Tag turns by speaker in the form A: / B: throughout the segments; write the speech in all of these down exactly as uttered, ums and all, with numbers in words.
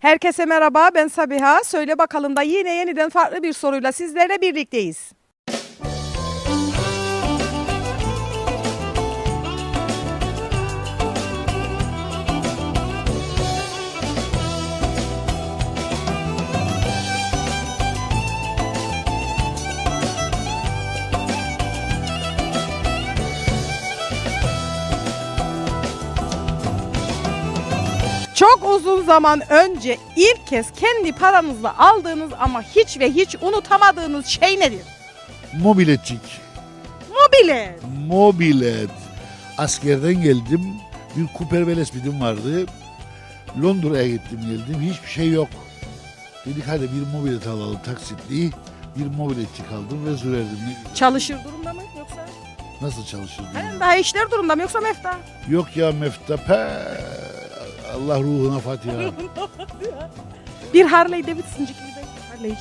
A: Herkese merhaba, ben Sabiha. Söyle bakalım da yine yeniden farklı bir soruyla sizlerle birlikteyiz. Çok uzun zaman önce ilk kez kendi paranızla aldığınız ama hiç ve hiç unutamadığınız şey nedir?
B: Mobiletçik.
A: Mobilet.
B: Mobilet. Askerden geldim. Bir Cooper Velespeed'im vardı. Londra'ya gittim geldim. Hiçbir şey yok. Dedik hadi bir mobilet alalım taksitli. Bir mobiletçik aldım ve sürerdim.
A: Çalışır durumda mı yoksa?
B: Nasıl çalışırdı?
A: He, daha işler durumda mı yoksa mefta?
B: Yok ya mefta. Pe. Allah ruhuna Fatiha.
A: Bir Harley Davidson'cık gibi. Harley'ci.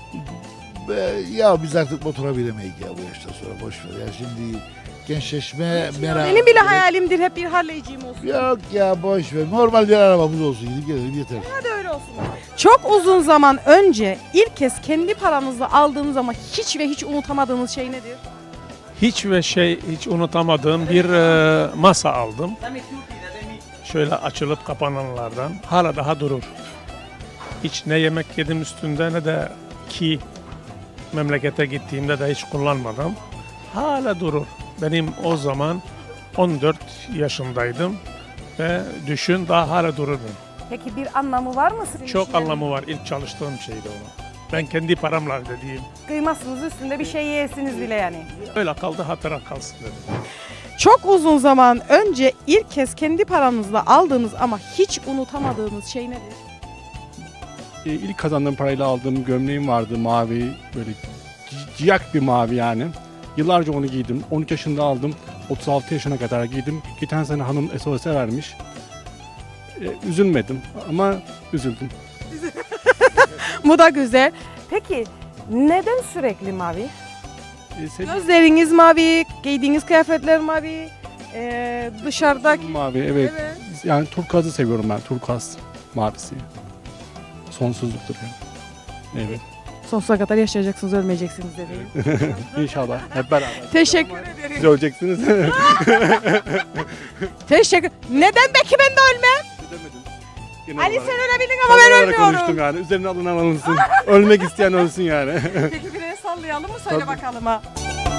B: Be, ya biz artık motora binemeyiz ya bu yaştan sonra boş ver ya şimdi gençleşme merak.
A: Benim bile hayalimdir hep bir Harley'ciyim olsun.
B: Yok ya boş ver. Normal bir arabamız olsun gidip gelelim yeter.
A: Hadi öyle olsun. Çok uzun zaman önce ilk kez kendi paranızla aldığınız ama hiç ve hiç unutamadığınız şey nedir?
C: Hiç ve şey hiç unutamadığım bir e, masa aldım. Şöyle açılıp kapananlardan. Hala daha durur. Hiç ne yemek yedim üstünde ne de ki memlekete gittiğimde de hiç kullanmadım. Hala durur. Benim o zaman on dört yaşındaydım ve düşün daha hala durur benim.
A: Peki bir anlamı var mı sizin
C: Çok
A: için?
C: anlamı var. İlk çalıştığım şeydi o. Ben kendi paramla dediğim.
A: Kıymazsınız üstünde bir şey yersiniz bile yani.
C: Öyle kaldı hatıra kalsın dedim.
A: Çok uzun zaman önce ilk kez kendi paranızla aldığınız ama hiç unutamadığınız şey nedir?
D: E, İlk kazandığım parayla aldığım gömleğim vardı mavi böyle ci- ciyak bir mavi yani. Yıllarca onu giydim. on üç yaşında aldım. otuz altı yaşına kadar giydim. Geçen sene hanım S O S'e vermiş. E, üzülmedim ama üzüldüm.
A: Bu da güzel. Peki neden sürekli mavi?
D: E, seviyorum
A: Gözleriniz mavi, giydiğiniz kıyafetler mavi, ee, dışarıdaki...
D: mavi evet.
A: Evet.
D: Yani turkuazı seviyorum ben. Turkuaz mavisi. Sonsuzluktur yani. Evet.
A: Sonsuza kadar yaşayacaksınız, ölmeyeceksiniz dedi.
D: İnşallah hep beraber.
A: Teşekkür
D: Ama
A: ederim.
D: Siz öleceksiniz.
A: Teşekkür. Neden peki ben de ölmem?
D: Ödemedim. Genel
A: Ali
D: olarak.
A: sen ölebilirsin ama ben
D: Tam olarak konuştum
A: ölmüyorum.
D: yani. Üzerine alınan alınsın. Ölmek isteyen ölsün yani.
A: Peki bir el sallayalım mı? Söyle
D: Tabii.
A: bakalım ha.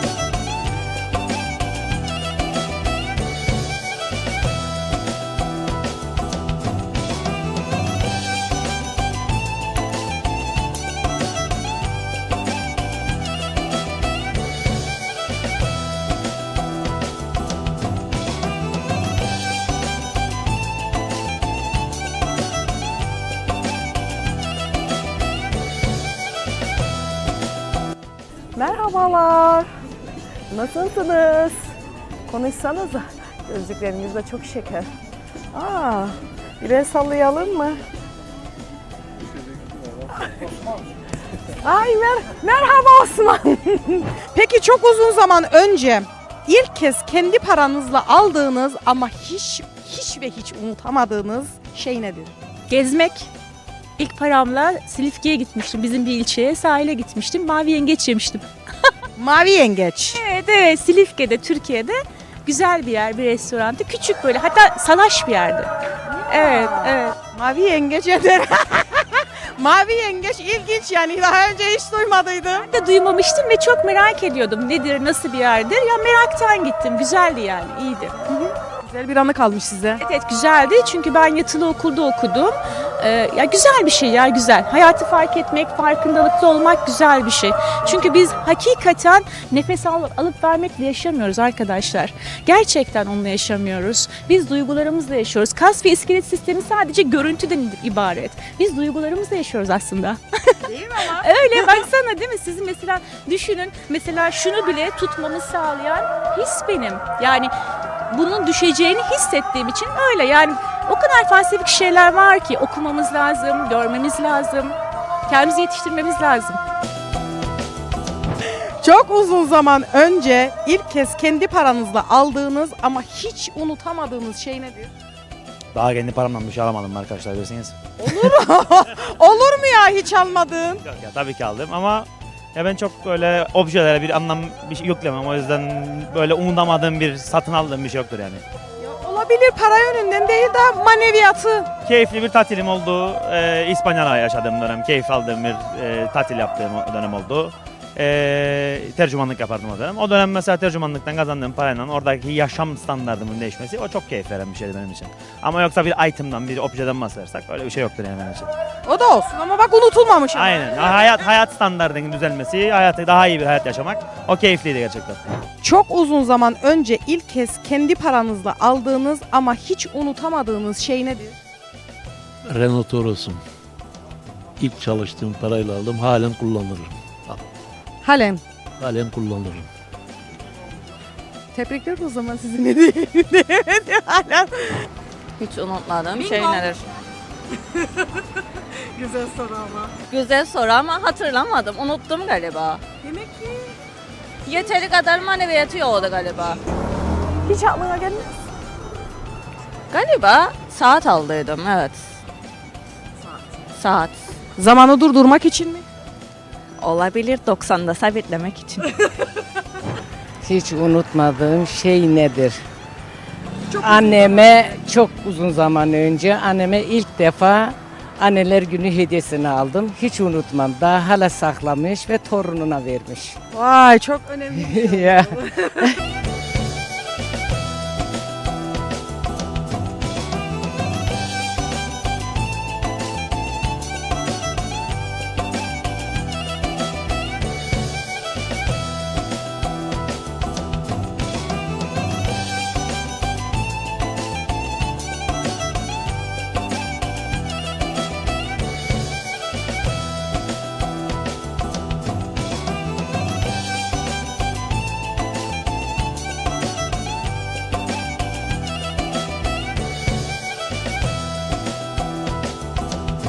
A: Merhabalar. Nasılsınız? Konuşsanıza. Gözlükleriniz de çok şeker. Aa, bir el sallayalım mı? Ay mer merhaba Osman. Peki çok uzun zaman önce ilk kez kendi paranızla aldığınız ama hiç hiç ve hiç unutamadığınız şey nedir?
E: Gezmek. İlk paramla Silifke'ye gitmiştim. Bizim bir ilçeye sahile gitmiştim. Mavi yengeç yemiştim.
A: Mavi yengeç.
E: Evet evet Silifke'de Türkiye'de güzel bir yer, bir restorantı. Küçük böyle hatta salaş bir yerdi. Evet evet.
A: Mavi yengeç eder. Mavi yengeç ilginç yani daha önce hiç duymadıydım.
E: Ben de duymamıştım ve çok merak ediyordum. Nedir, nasıl bir yerdir? Ya meraktan gittim. Güzeldi yani, iyiydi.
A: Güzel bir anı kalmış size.
E: Evet, evet güzeldi çünkü ben yatılı okulda okudum. Ee, ya güzel bir şey ya güzel. Hayatı fark etmek, farkındalıklı olmak güzel bir şey. Çünkü biz hakikaten nefes al, alıp vermekle yaşamıyoruz arkadaşlar. Gerçekten onunla yaşamıyoruz. Biz duygularımızla yaşıyoruz. Kas ve iskelet sistemi sadece görüntüden ibaret. Biz duygularımızla yaşıyoruz aslında.
A: Değil mi ama?
E: Öyle baksana değil mi? Sizin mesela düşünün mesela şunu bile tutmamı sağlayan his benim. Yani bunun düşeceğini hissettiğim için öyle yani o kadar felsefik şeyler var ki okumamız lazım, görmemiz lazım, kendimizi yetiştirmemiz lazım.
A: Çok uzun zaman önce ilk kez kendi paranızla aldığınız ama hiç unutamadığınız şey nedir?
F: Daha kendi paramdan bir şey alamadım arkadaşlar bilirsiniz.
A: Olur mu ya hiç almadın?
F: Yok ya tabii ki aldım ama ya ben çok böyle objelere bir anlam bir şey yüklemem. O yüzden böyle umutamadığım bir satın aldığım bir şey yoktur yani.
A: Ya olabilir, para yönünden değil de maneviyatı.
F: Keyifli bir tatilim oldu. Ee, İspanya'da yaşadığım dönem, keyif aldığım bir e, tatil yaptığım o dönem oldu. Ee, tercümanlık yapardım o dönem. O dönem mesela tercümanlıktan kazandığım parayla oradaki yaşam standartımın değişmesi o çok keyif veren bir şeydi benim için. Ama yoksa bir item'dan, bir objeden bahsedersek öyle bir şey yoktur yani benim için.
A: O da olsun ama bak unutulmamış. ama.
F: Aynen. Hayat hayat standartının düzelmesi, hayatı daha iyi bir hayat yaşamak o keyifliydi gerçekten.
A: Çok uzun zaman önce ilk kez kendi paranızla aldığınız ama hiç unutamadığınız şey nedir?
G: Renault Toros'um. İlk çalıştığım parayla aldım. Halen kullanırım.
A: Halen.
G: Halen kullanırım.
A: Tebrikler o zaman sizi ne diyemedi halen.
H: Hiç unutmadığım
A: Bingo.
H: şey nedir?
A: Güzel soru ama.
H: Güzel soru ama hatırlamadım. Unuttum galiba.
A: Demek ki
H: Yeteri kadar maneviyatı yoktu galiba.
A: hiç aklına gelmez.
H: Galiba saat aldıydım evet. Saat.
A: Zamanı durdurmak için mi?
H: Olabilir doksanda sabitlemek için.
I: Hiç unutmadığım şey nedir? Anneme çok uzun zaman önce anneme ilk defa Anneler Günü hediyesini aldım. Hiç unutmam. Daha hala saklamış ve torununa vermiş.
A: Vay çok önemli.
I: Ya.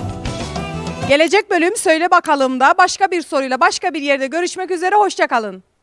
A: Gelecek bölüm Söyle Bakalım da başka bir soruyla başka bir yerde görüşmek üzere. Hoşça kalın.